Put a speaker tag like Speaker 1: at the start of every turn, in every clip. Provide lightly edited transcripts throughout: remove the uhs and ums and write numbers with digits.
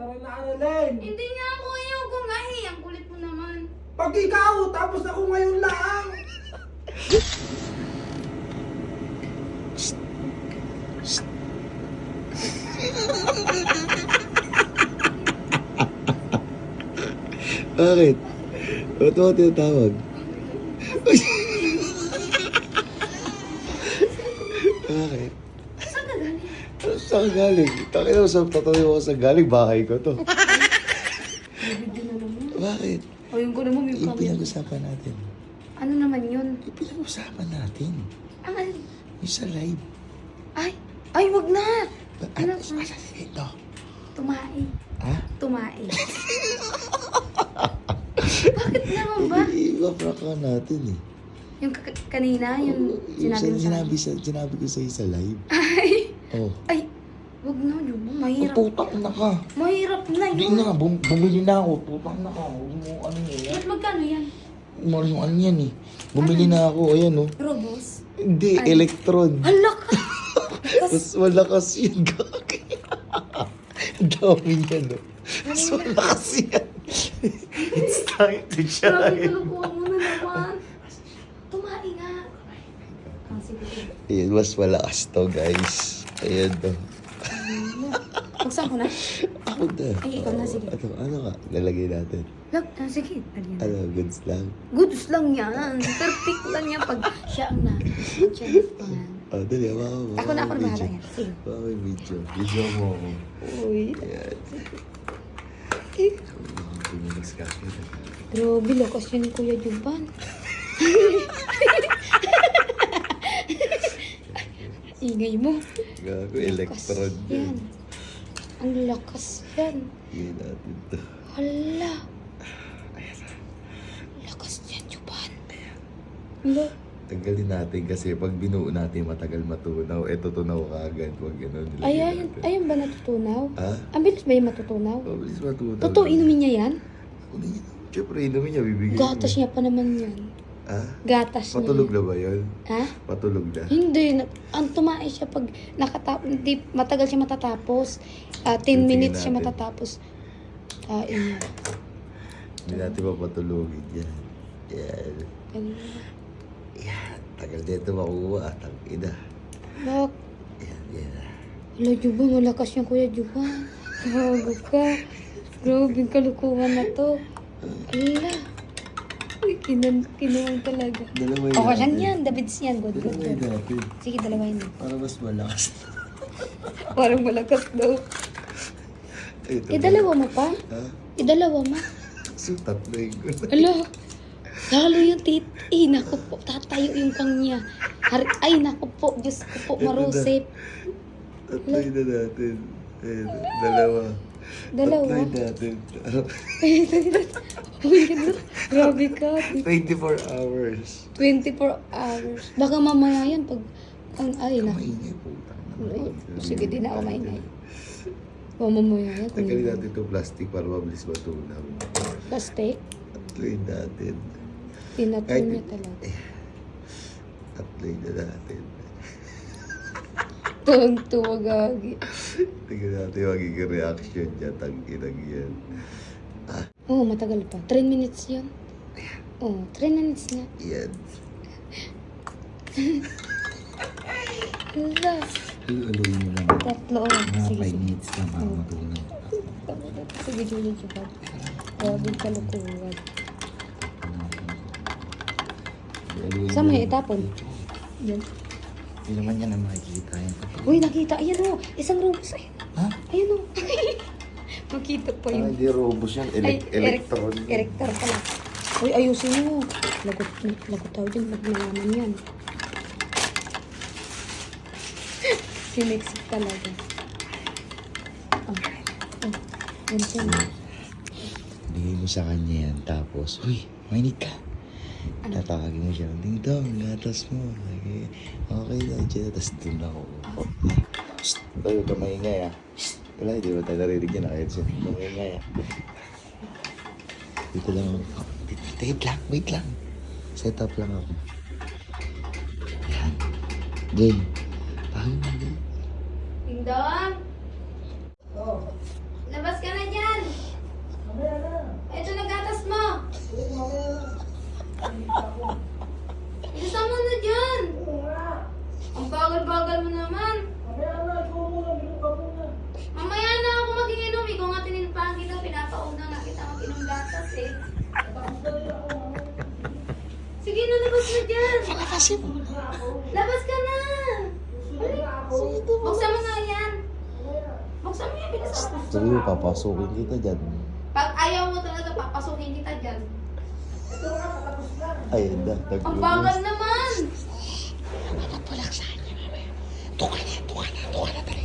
Speaker 1: Tara na, Annalyn.
Speaker 2: Hindi nga ako ayoko nga eh. Ang kulit mo naman.
Speaker 1: Pag ikaw, tapos ako ngayon lang.
Speaker 3: Bakit? Ba't mo tinatawag? Bakit?
Speaker 2: Saan ka galing?
Speaker 3: Saan ka galing? Takina mo sa tatawi mo sa galing, bahay ko to.
Speaker 2: Bibigyan na naman.
Speaker 3: Bakit?
Speaker 2: Ayun ko naman yung
Speaker 3: Yung
Speaker 2: kami.
Speaker 3: pinag-usapan natin.
Speaker 2: Ano naman yun?
Speaker 3: Yung pinag-usapan natin.
Speaker 2: Ang alin?
Speaker 3: Yung sa live.
Speaker 2: Ay, wag na.
Speaker 3: Ano?
Speaker 2: Ano?
Speaker 3: Asa ito?
Speaker 2: Tumae.
Speaker 3: Ha?
Speaker 2: Tumae. Bakit naman ba?
Speaker 3: Iba-prank ka natin eh.
Speaker 2: Yung kanina, yung sinabi mo sa akin.
Speaker 3: Sinabi ko sa'yo sa live.
Speaker 2: Ay,
Speaker 3: Oh.
Speaker 2: ay, wag na yun. Mahirap.
Speaker 3: Putak na ka.
Speaker 2: Mahirap na
Speaker 3: Hindi
Speaker 2: yun.
Speaker 3: na, bumili na ako. Putak na ka. Huwag mo ano yan.
Speaker 2: Ba't magkano yan?
Speaker 3: Mahal yung ano yan eh. Bumili na ako. Ayan oh.
Speaker 2: Robos?
Speaker 3: Hindi,
Speaker 2: Ay.
Speaker 3: electron.
Speaker 2: Hala ka!
Speaker 3: Mas malakas yun, gagi. Ang dami yan oh. Mas malakas yan. It's time to
Speaker 2: Grabe,
Speaker 3: shine.
Speaker 2: kalukuhan mo na naman. Tumae nga. Ah, sige.
Speaker 3: Ayan, mas malakas to guys. Ayan to.
Speaker 2: Magsaan ko na?
Speaker 3: Ako na.
Speaker 2: Ay, ikaw na, sige.
Speaker 3: Ano ka? Lalagay natin.
Speaker 2: Sige.
Speaker 3: Ano, goods lang.
Speaker 2: Goods lang yan. Perfect lang yan pag siya ang na. Siya ang
Speaker 3: Oh, dali, ako
Speaker 2: Ako na bahala yan. Sige.
Speaker 3: Baka may video. Video mo ako.
Speaker 2: Uy.
Speaker 3: Ayan. Tumilis ka.
Speaker 2: Grabe, lakas yun ni Kuya Juban. Ingay mo.
Speaker 3: Gago, electron
Speaker 2: Lakas
Speaker 3: yan.
Speaker 2: yan. Ang lakas yan.
Speaker 3: Sige natin to.
Speaker 2: Hala. Lakas yan, Juban. Hala.
Speaker 3: Tanggalin natin kasi pag binuo natin matagal matunaw. Eh, tutunaw ka agad. Huwag gano'n.
Speaker 2: Ayun ba natutunaw?
Speaker 3: Ha?
Speaker 2: Ang bilis ba yung matutunaw?
Speaker 3: Mabilis matunaw.
Speaker 2: Totoo, inumin niya yan?
Speaker 3: Siyempre, inumin niya, bibigyan
Speaker 2: Gatas niya pa naman yan.
Speaker 3: Ha?
Speaker 2: Gatas niya.
Speaker 3: Patulog na ba yun?
Speaker 2: Ha?
Speaker 3: Patulog na.
Speaker 2: Hindi. Ang tumae siya pag hindi, matagal siya matatapos. 10
Speaker 3: Tingnan
Speaker 2: minutes siya
Speaker 3: natin.
Speaker 2: matatapos. Kain niya.
Speaker 3: Hindi natin mapatulogin yan. Yan.
Speaker 2: Ganun.
Speaker 3: Yan. Tagal dito makuha. Tangina.
Speaker 2: Bak.
Speaker 3: Yan, yan.
Speaker 2: Wala, Juba. Malakas yung Kuya Juba. Gago ka. Grabe yung kalukuhan na to. Ala. Uy, kinuwang talaga.
Speaker 3: Dalawa
Speaker 2: Okay lang yan. Davids yan. Good, good,
Speaker 3: Dalawa
Speaker 2: good.
Speaker 3: natin.
Speaker 2: Sige, dalawain mo.
Speaker 3: Para mas malakas.
Speaker 2: Parang malakas daw.
Speaker 3: Ito
Speaker 2: Idalawa mo pa?
Speaker 3: Ha?
Speaker 2: Idalawa mo?
Speaker 3: So, tatlo yung gano'n.
Speaker 2: Ala, lalo yung naku po, tatayo yung kanya. Ay, naku po, Diyos ko po, marusip.
Speaker 3: Tatlo na natin. Ayun, dalawa.
Speaker 2: Dalawa?
Speaker 3: Tatlo natin.
Speaker 2: Uy, grabe ka.
Speaker 3: 24 hours.
Speaker 2: 24 hours. Baka mamaya yan pag, ay na.
Speaker 3: Maingay po.
Speaker 2: Sige, di na ako maingay. Baka mamaya yan.
Speaker 3: Tanggalin natin itong plastic para mabilis matunaw.
Speaker 2: Plastic,
Speaker 3: Tatloy natin.
Speaker 2: tinatun niya talaga.
Speaker 3: Tatloy na natin.
Speaker 2: Tuwag-tuwa gagi.
Speaker 3: Tingnan natin yung magiging reaction niya. Tangginang yan.
Speaker 2: Oo, matagal pa. 3 minutes yun. Oo, 3 minutes na.
Speaker 3: Yan.
Speaker 2: Hala.
Speaker 3: Aluin mo lang.
Speaker 2: Tatlo. Sige,
Speaker 3: 5
Speaker 2: sige.
Speaker 3: minutes lang para matunaw.
Speaker 2: Sige, Julie, Julie. Grabe kalukuhan. Saan mo yung itapon? Yan.
Speaker 3: Hindi naman yan na makikita yan.
Speaker 2: Uy, nakita. Ayan o. Isang robos. Ayan.
Speaker 3: Ha?
Speaker 2: Ayan o. Makita pa
Speaker 3: Ah,
Speaker 2: yun.
Speaker 3: hindi robos yan. Electron.
Speaker 2: Electron pala. Uy, ayusin mo. Lagot tayo dyan. Magnalaman yan. Siniksik talaga. Yan siya.
Speaker 3: Bigay mo sa kanya yan. Tapos, uy, mainit ka. Tatawagin mo siya. Ding dong, gatas mo. Okay na dyan. Tapos doon ako. Shhh! Tayo ka maingay ah. Shhh! Wala, hindi mo tayo narinig yan. Kahit siya. Maingay ah. Dito lang ako. Wait lang. Set up lang ako. Yan. Game. Pahal mo.
Speaker 2: Ding dong! Labas ka na dyan! labas na dyan.
Speaker 3: Palabasin mo.
Speaker 2: Labas ka na. Buksan mo nga yan. Buksan mo yan, bilisan mo.
Speaker 3: Sabi mo, papasukin kita dyan.
Speaker 2: Pag ayaw mo talaga, papasukin kita dyan.
Speaker 3: Ayun na,
Speaker 2: Ang bagal naman.
Speaker 3: Mapagpulak sa kanya, mamaya. Tuka na, dali.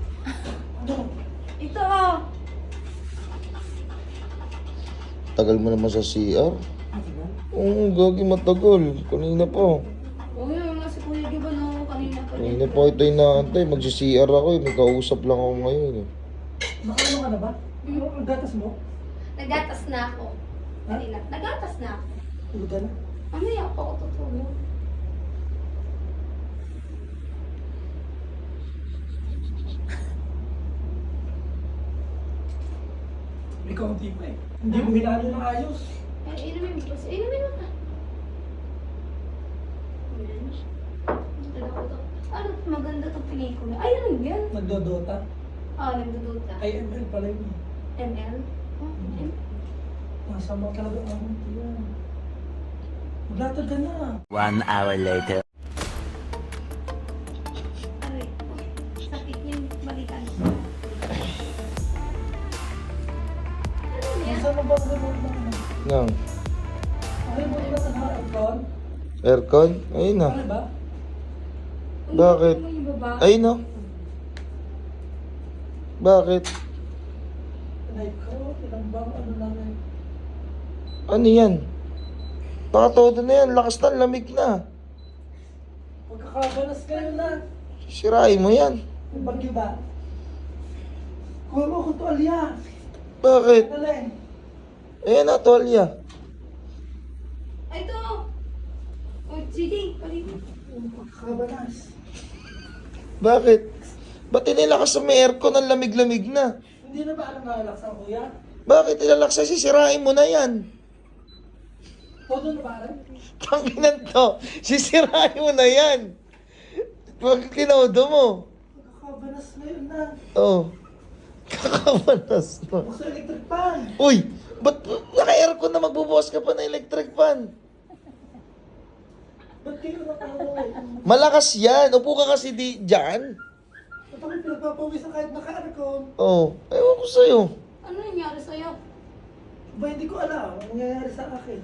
Speaker 2: Ito oh.
Speaker 3: Tagal mo naman sa CR? Oo, gagi matagal. Kanina pa.
Speaker 2: Oh, yun nga si Kuya Giba no, kanina pa din.
Speaker 3: Kanina pa ito inaantay. Magsi-CR ako eh. May kausap lang ako ngayon eh.
Speaker 1: Nakaano ka na ba? Ang gatas mo?
Speaker 2: Nagatas na ako. Kanina, nagatas na ako.
Speaker 1: Tulog ka na.
Speaker 2: Mamaya pa ako tutulog.
Speaker 1: May kaunti pa eh. Hindi mo hinalo ng ayos.
Speaker 2: Inumin mo kasi. Inumin mo na. Ayan. Ano, maganda itong pelikula. Ay, ano yan?
Speaker 1: Nagdodota.
Speaker 2: Nagduduta.
Speaker 1: Ay, ML pala yun eh.
Speaker 2: ML?
Speaker 1: Masama talaga ang yan. Maglatag ka na.
Speaker 4: 1 hour later.
Speaker 2: Aray, sakit yung balikan. Ano yan?
Speaker 1: Saan mo ba ang remote na ano?
Speaker 3: Nang,
Speaker 1: Ang remote na sa aircon?
Speaker 3: aircon? Ayun na.
Speaker 1: Ano ba?
Speaker 3: Bakit?
Speaker 2: Ano yung baba?
Speaker 3: Ayun na. Bakit?
Speaker 1: Like ko, ilang bang ano namin?
Speaker 3: Ano yan? Baka todo na yan. Lakas na, lamig na.
Speaker 1: Pagkakaganas kayo na.
Speaker 3: Sirain mo yan.
Speaker 1: May bagyo ba? Kuha mo akong tuwalya.
Speaker 3: Bakit?
Speaker 1: Galing.
Speaker 3: Ayan na, tuwalya.
Speaker 2: Ay, ito! O, sige, paligid.
Speaker 1: Pagkakaganas.
Speaker 3: Bakit? Ba't inilakas sa may aircon ang lamig-lamig na?
Speaker 1: Hindi na ba alam na alaksan, kuya?
Speaker 3: Bakit ilalaksa? Sisirain mo na yan.
Speaker 1: Todo na ba alam?
Speaker 3: Tanginan to. Sisirain mo na yan. Pag kinodo mo.
Speaker 1: Pagkakaganas ngayon na.
Speaker 3: Oh. Kakabanas na.
Speaker 1: Buksan electric pan.
Speaker 3: Uy! Ba't naka-aircon na magbubukas ka pa ng electric fan?
Speaker 1: Ba't kayo nakakaroon?
Speaker 3: Malakas yan. Upo ka kasi dyan.
Speaker 1: Ba't ako pinagpapawisan kahit naka-aircon?
Speaker 3: Oh. Ewan ko sa'yo.
Speaker 2: Ano nangyari sa'yo?
Speaker 1: Ba, hindi ko alam. Ang nangyayari sa akin.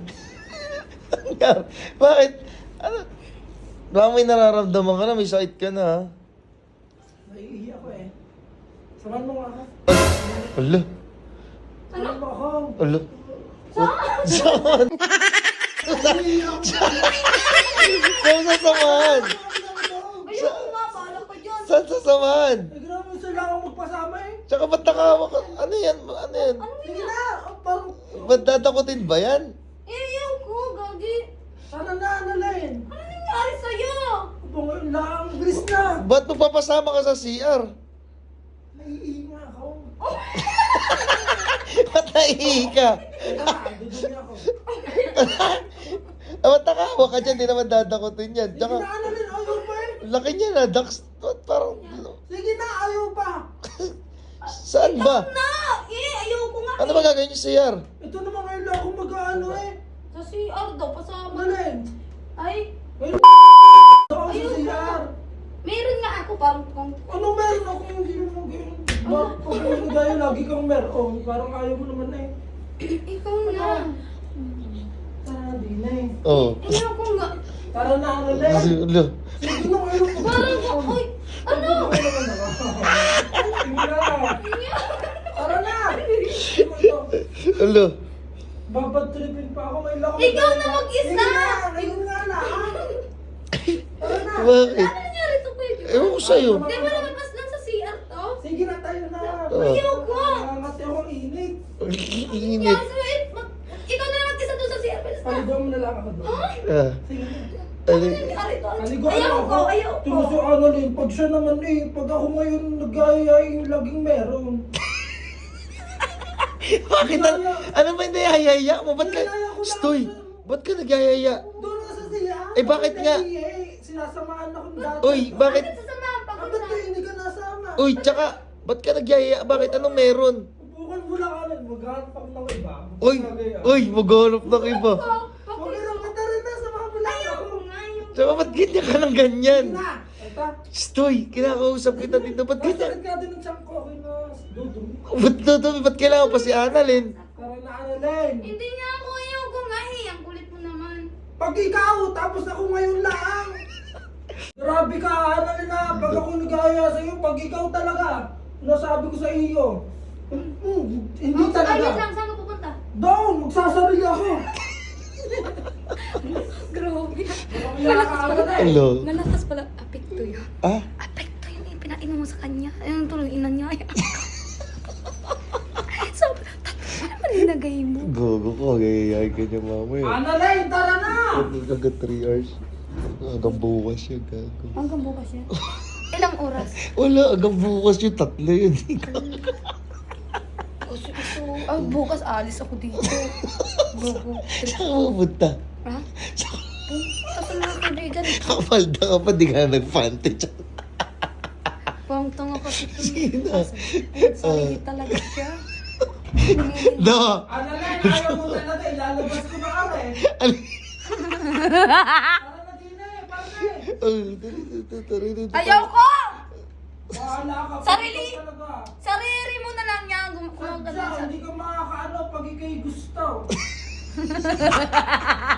Speaker 3: Bakit? Ano? Baka may nararamdaman ka na. May sakit ka na ha?
Speaker 1: Naiihi ako eh. Samahan mo nga ako.
Speaker 3: Ala.
Speaker 1: Samahan mo ako.
Speaker 3: Ala. Saan?
Speaker 1: Naiihi ako.
Speaker 3: Saan sasamahan?
Speaker 2: Ayoko nga, bahala ka dyan.
Speaker 3: Saan sasamahan?
Speaker 1: Eh, grabe, sila akong magpasama eh.
Speaker 3: Tsaka ba't nakahawak ka? Ano yan? Ano yan?
Speaker 1: Sige na, parang...
Speaker 3: Ba't dadakutin ba yan?
Speaker 2: Ayoko, gagi.
Speaker 1: Sana na, Annalyn.
Speaker 2: Ano nangyari sa'yo?
Speaker 1: Aba, ngayon lang, bilis na.
Speaker 3: Ba't magpapasama ka sa CR?
Speaker 1: Naiihi nga ako.
Speaker 3: Ba't naihi ka?
Speaker 1: Kaya na, dudumi ako.
Speaker 3: Ba't nakahawak ka dyan? Di naman dadakutin yan.
Speaker 1: Sige
Speaker 3: Tsaka,
Speaker 1: na, Annalyn, ayaw pa eh.
Speaker 3: laki niya na. Dax, parang,
Speaker 1: Sige na, ayaw pa.
Speaker 3: saan ba?
Speaker 2: Na! Ayoko nga.
Speaker 3: Ano ba gagawin niyo sa CR?
Speaker 1: Ito naman ngayon lang ako mag-ano eh.
Speaker 2: Sa CR daw, pasama.
Speaker 1: Annalyn,
Speaker 2: Ay,
Speaker 1: ngayon ako sa
Speaker 2: Ayun
Speaker 1: CR.
Speaker 2: meron nga ako parang kung...
Speaker 1: Ano meron ako hindi mo ganyan? Pag gaya, lagi kang meron. Parang ayaw mo naman eh.
Speaker 2: Ikaw na.
Speaker 1: Tara, di na eh.
Speaker 3: Oo.
Speaker 2: Ayoko nga.
Speaker 1: Tara na, Annalyn.
Speaker 3: Ala.
Speaker 1: Sige na, ayaw ko.
Speaker 2: Parang ako, uy, ano?
Speaker 1: Sige na. Tara na.
Speaker 3: Ala.
Speaker 1: Babad tripin pa ako. Ngayon lang ako.
Speaker 2: Ikaw na mag-isa.
Speaker 1: Sige na, ngayon nga na. Tara na.
Speaker 3: Bakit?
Speaker 2: Ano nangyari to, Kuya?
Speaker 3: Ewan ko sa'yo.
Speaker 2: Di ba lumabas lang sa CR to?
Speaker 1: Sige na, tayo na.
Speaker 2: Ayoko.
Speaker 1: Kasi ako ang init.
Speaker 3: Init.
Speaker 2: Kaya sa'yo, ikaw na lang mag-isa doon sa CR. Bilis na.
Speaker 1: Paligaw mo na lang ako doon.
Speaker 3: Ah.
Speaker 1: Sige na.
Speaker 2: Ano
Speaker 3: Ano?
Speaker 2: nangyari to?
Speaker 1: Naligo
Speaker 2: Ayoko, ayoko.
Speaker 1: Tulo si Annalyn, pag siya naman eh, pag ako ngayon nag-ayay, laging meron.
Speaker 3: Bakit? Ano ba hindi hayaya mo? Ba't ka?
Speaker 1: Niyaya ko lang
Speaker 3: Stoy.
Speaker 1: siya.
Speaker 3: Ba't ka nagyayaya?
Speaker 1: Doon ka sa siya.
Speaker 3: Eh, bakit nga?
Speaker 1: Sinasamaan ako dati.
Speaker 3: Uy, bakit?
Speaker 2: Bakit sasamahan pa ko
Speaker 1: Bakit
Speaker 2: na?
Speaker 1: kayo hindi ka nasama?
Speaker 3: Uy, tsaka, ba't ka nagyayaya? Bakit? Anong meron?
Speaker 1: Upukan mo lang ka maghanap ako ng iba.
Speaker 3: Uy, uy, maghanap ng iba.
Speaker 1: Huwag ka lang, tara na, samahan mo lang.
Speaker 3: Tsaka ba't ganyan ka ng ganyan?
Speaker 1: Na! Eto.
Speaker 3: Stoy, kinakausap kita dito. Ba't ganyan?
Speaker 1: Bakit ka din ng tiyan ko? Okay na. Dudumi.
Speaker 3: Ba't dudumi? Ba't kailangan pa si Annalyn?
Speaker 1: Para na Annalyn.
Speaker 2: Hindi nga ako ayoko nga eh. Ang kulit mo naman.
Speaker 1: Pag ikaw, tapos ako ngayon lang. Grabe ka, Annalyn na. Pag ako nagaya sa'yo, pag ikaw talaga, nasabi ko sa iyo. Hindi
Speaker 2: Ay, wait
Speaker 1: talaga.
Speaker 2: lang. Saan ka pupunta?
Speaker 1: Doon, magsasarili ako.
Speaker 2: Grabe.
Speaker 1: Malakas pala.
Speaker 3: Hello?
Speaker 2: Malakas pala. Apekto yun.
Speaker 3: Ah?
Speaker 2: Apekto yun eh. Pinainom mo sa kanya. Ayun tuloy, ina niya. So, ano nilagay mo?
Speaker 3: Gogo ko, gagayahin ka niya mamaya.
Speaker 1: Annalyn, tara na!
Speaker 3: Hanggang 3 hours. Hanggang bukas yun, gago.
Speaker 2: Hanggang bukas yan. Ilang oras?
Speaker 3: Wala, hanggang bukas yun, 3 yun.
Speaker 2: Bukas alis ako dito. Gogo.
Speaker 3: Saan ka pupunta?
Speaker 2: Ha? Tapos mga kaibigan.
Speaker 3: Kapalda ka pa, di ka na nag-fante dyan.
Speaker 2: Pang tanga kasi ito.
Speaker 3: Sino?
Speaker 2: Sorry talaga siya.
Speaker 3: No!
Speaker 1: Annalyn, ayaw mo talaga. Ilalabas ko na kami. Para na din eh, pare.
Speaker 2: Ayaw ko!
Speaker 1: Bahala ka.
Speaker 2: Sarili!
Speaker 1: Ikaw talaga.
Speaker 2: Sarili mo na lang yan.
Speaker 1: Sadya, hindi ka makakaano pag ikay gusto.